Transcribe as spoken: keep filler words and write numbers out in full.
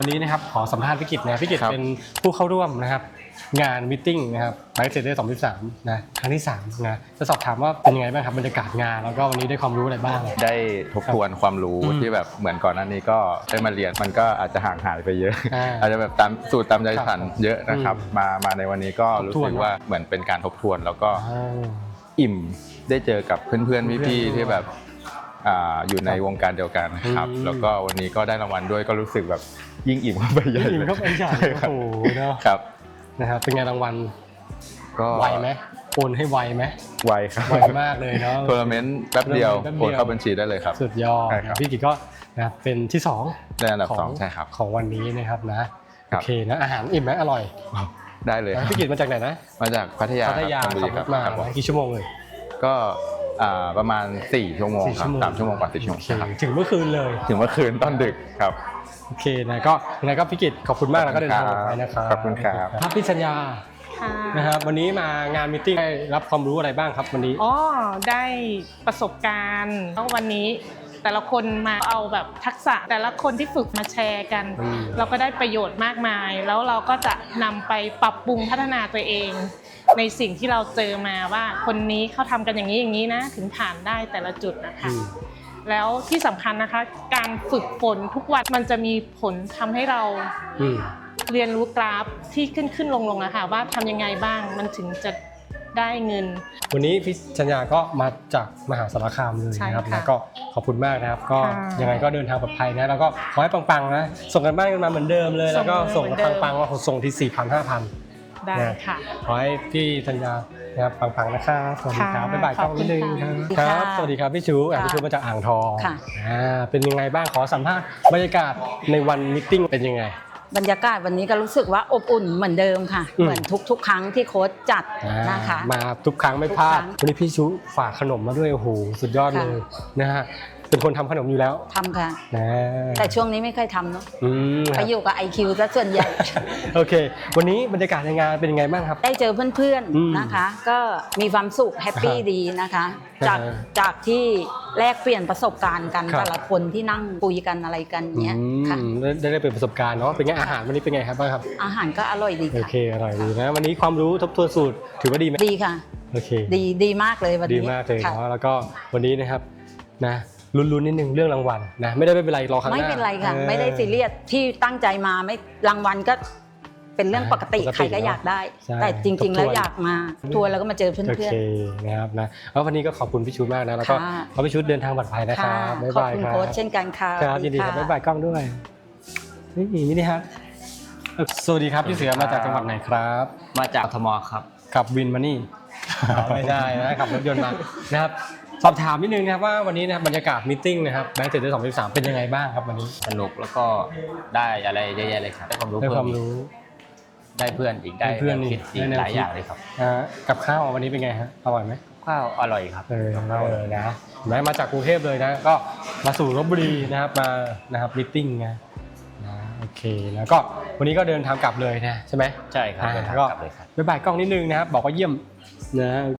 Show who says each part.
Speaker 1: วันนี้นะครับขอสัมภาษณ์พี่กิตนะพี่กิตเป็นผู้เข้าร่วมนะครับงานมิทติ้งนะครับไบค์เซเดอร์สองพันสิบสามนะครั้งที่สามนะจะสอบถามว่าเป็นยังไงบ้างครับบรรยากาศงานแล้วก็วันนี้ได้ความรู้อะไรบ้าง
Speaker 2: ได้ทบทวนความรู้ที่แบบเหมือนก่อนหน้านี้ก็ได้มาเรียนมันก็อาจจะห่างหายไปเยอะอาจจะแบบตามสูตรตามใจฉันเยอะนะครับมามาในวันนี้ก็รู้สึกว่าเหมือนเป็นการทบทวนแล้วก็อิ่มได้เจอกับเพื่อนๆพี่ๆที่แบบอยู่ในวงการเดียวกันครับแล้วก็วันนี้ก็ได้รางวัลด้วยก็รู้สึกแบบยิ่งอิ่มเข้าไปใหญ่เลย
Speaker 1: อิ่มเข้าไปใหญ่โอ้โหเนาะ
Speaker 2: ครับ
Speaker 1: นะครับเป็นไงรางวัล
Speaker 2: ก็
Speaker 1: ไวไหมโอนให้ไวไหม
Speaker 2: ไวครับ
Speaker 1: ไวมากเลยเนาะ
Speaker 2: ทัวร์นาเมนต์แป๊บเดียวโอนเข้าบัญชีได้เลยครับ
Speaker 1: สุดยอดพี่กิตก็นะเป็นที่สอง
Speaker 2: ในอันดับสองใช่ครับ
Speaker 1: ของวันนี้นะครับนะโอเคนะอาหารอิ่มไหมอร่อย
Speaker 2: ได้เลย
Speaker 1: พี่กิตมาจากไหนนะ
Speaker 2: มาจากพัทยา
Speaker 1: พัทยาขับมากี่ชั่วโมงเลย
Speaker 2: ก็ประมาณสี่ชั่วโมงครับสามชั่วโมงกว่าสี่ชั่วโมง
Speaker 1: ถึงเมื่อคืนเลย
Speaker 2: ถึงเมื่อคืนตอนดึกครับ
Speaker 1: โอเคนะก็ยังไงก็พี่กิตขอบคุณมากแล้วก็เดินทางปลอดภัยนะครับ
Speaker 2: ขอบคุณครับ
Speaker 1: ภาพพิชัญญานะครับวันนี้มางานมิทติ้งได้รับความรู้อะไรบ้างครับวันนี้
Speaker 3: อ๋อได้ประสบการณ์แล้ววันนี้แต่ละคนมาเอาแบบทักษะแต่ละคนที่ฝึกมาแชร์กันเราก็ได้ประโยชน์มากมายแล้วเราก็จะนำไปปรับปรุงพัฒนาตัวเองในสิ่งที่เราเจอมาว่าคนนี้เขาทำกันอย่างนี้อย่างนี้นะถึงผ่านได้แต่ละจุดนะคะแล้วที่สำคัญนะคะการฝึกฝนทุกวันมันจะมีผลทำให้เราเรียนรู้กราฟที่ขึ้นขึ้นลงลงนะคะว่าทำยังไงบ้างมันถึงจะได้เงิน
Speaker 1: วันนี้พี่ชัญญาก็มาจากมหาสารคามเลยนะครับแล้วก็ขอบคุณมากนะครับก็ยังไงก็เดินทางปลอดภัยนะแล้วก็ขอให้ปังๆนะส่งกันบ้านกันมาเหมือนเดิมเลยแล้วก็ส่งปังๆว่าส่งที่ สี่พัน ห้าพัน
Speaker 3: ได้ค่ะ
Speaker 1: ขอให้พี่ชัญญานะครับปังๆนะครับสวัสดีครับบ๊ายบายกล้องนิดนึงครับสวัสดีครับพี่ชูพี่ชูมาจากอ่างทองอ่าเป็นยังไงบ้างขอสัมภาษณ์บรรยากาศในวันมิทติ้งเป็นยังไง
Speaker 4: บรรยากาศวันนี้ก็รู้สึกว่าอบอุ่นเหมือนเดิมค่ะเหมือนทุกๆครั้งที่โค้ชจัดนะคะ
Speaker 1: มาทุกครั้งไม่พลาดวันนี้พี่ชูฝากขนมมาด้วยโอ้โหสุดยอดเลยนะฮะเป็นคนทำขนมอยู่แล้ว
Speaker 4: ทำค่ะแต่ช่วงนี้ไม่ค่อยทำเนาะไปอยู่กับ ไอ คิว ซะส่วนใหญ่
Speaker 1: โอเควันนี้บรรยากาศในงานเป็นยังไงบ้างครับ
Speaker 4: ได้เจอเพื่อนๆนะคะก็มีความสุขแฮปปี้ดีนะคะจากจากที่แลกเปลี่ยนประสบการณ์กันแต่ละคนที่นั่งคุยกันอะไรกันเนี้ยค่ะ
Speaker 1: ได้ได้เป็นประสบการณ์เนาะเป็นไงอาหารวันนี้เป็นไงครับบ้างครับ
Speaker 4: อาหารก็อร่อยดีค่ะ
Speaker 1: โอเคอร่อยดีนะวันนี้ความรู้ทบทวนสูตรถือว่าดีไหม
Speaker 4: ดีค่ะ
Speaker 1: โอเค
Speaker 4: ดีดีมากเลยวันนี้
Speaker 1: ดีมากเลยเนาะแล้วก็วันนี้นะครับนะลุ้นๆนิดนึงเรื่องรางวัลนะไม่ได้ไม่เป็นไรรอครั้งหน้า
Speaker 4: ไม่เป็นไรค่ะไม่ได้ซีเรียสที่ตั้งใจมาไม่รางวัลก็เป็นเรื่องปกติใครก็อยากได้แต่จริงๆแล้วอยากมาทัวร์แล้วก็มาเจอเพื่อนๆโอ
Speaker 1: เคนะครับนะแล้ววันนี้ก็ขอบคุณพี่ชุดมากนะแล้วก็ขอพี่ชุดเดินทางปลอดภัยนะครับบ๊ายบายครับ
Speaker 4: ขอบคุณโค้ชเช่นกันค่ะ
Speaker 1: ครับยินดีครับบ๊ายบายกล้องด้วยนี่นี่นี่ครับสวัสดีครับพี่เสือมาจากจังหวัดไหนครับ
Speaker 5: มาจากธมครับ
Speaker 1: ขับวินมานี่ไม่ได้นะขับรถยนต์มานะครับสอบถามนิดนึงนะครับว่าวันนี้นะครับบรรยากาศมิทติ้งนะครับแบงค์เจ็ดเดือนสองพันสิบสามเป็นยังไงบ้างครับวันนี้
Speaker 5: สนุกแล้วก็ได้อะไรเยอะแยะเลยครับได้ความรู้
Speaker 1: ได้ความรู้
Speaker 5: ได้เพื่อนอีกได้เพื่อนคิดอีกหลายอย่างเลยครับ
Speaker 1: กับข้าววันนี้เป็นไงฮะอร่อยไหม
Speaker 5: ข้าวอร่อยครับ
Speaker 1: เออเลยนะแม้มาจากกรุงเทพเลยนะก็มาสู่ลพบุรีนะครับมานะครับมิทติ้งนะนะโอเคแล้วก็วันนี้ก็เดินทางกลับเลยนะใช่ไหม
Speaker 5: ใช่ครับเดินทางกลับเลยครับ
Speaker 1: บ๊ายบายกล้องนิดนึงนะครับบอกว่าเยี่ยมนะ